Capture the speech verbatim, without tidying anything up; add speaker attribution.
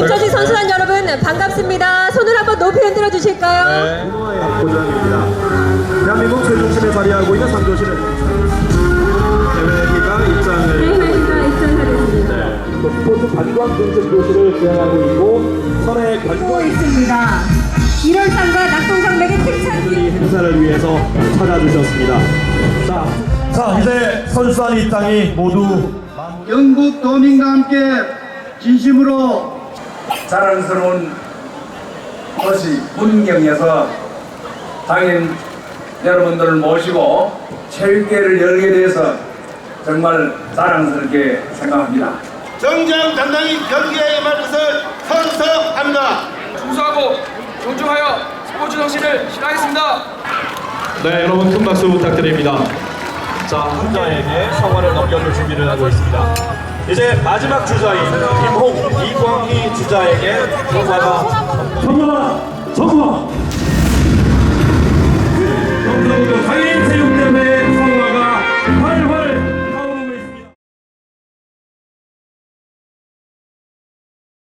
Speaker 1: 김철식 선수단 여러분 반갑습니다. 손을 한번 높이 흔들어 주실까요?
Speaker 2: 네.
Speaker 3: 고장입니다. 대한민국 최중심에 자리하고 있는 상조시는 대회기가 입장을
Speaker 1: 대회가 입장하겠습니다.
Speaker 3: 네. 스포츠 관광 정책 교실을 수행하고 있고 선의
Speaker 1: 고
Speaker 3: 관광
Speaker 1: 있습니다. 일월상과 낙동산맥의 특产
Speaker 3: 이 행사를 위해서 찾아주셨습니다. 자,
Speaker 2: 자, 이제 선수단 입장이 모두
Speaker 4: 영국 도민과 함께 진심으로
Speaker 5: 자랑스러운 도시 문경에서 당인 여러분들을 모시고 체육대회를 열게 돼서 정말 자랑스럽게 생각합니다.
Speaker 4: 정정당당히 경기에 임할 것을 선서합니다.
Speaker 6: 준수하고 존중하여 스포츠 정신을 실행하겠습니다.
Speaker 2: 네, 여러분 큰 박수 부탁드립니다. 자, 한자에게 성화를 넘겨줄 준비를 하고 있습니다. 이제 마지막 주자인 김홍, 이광희 주자에게 성화가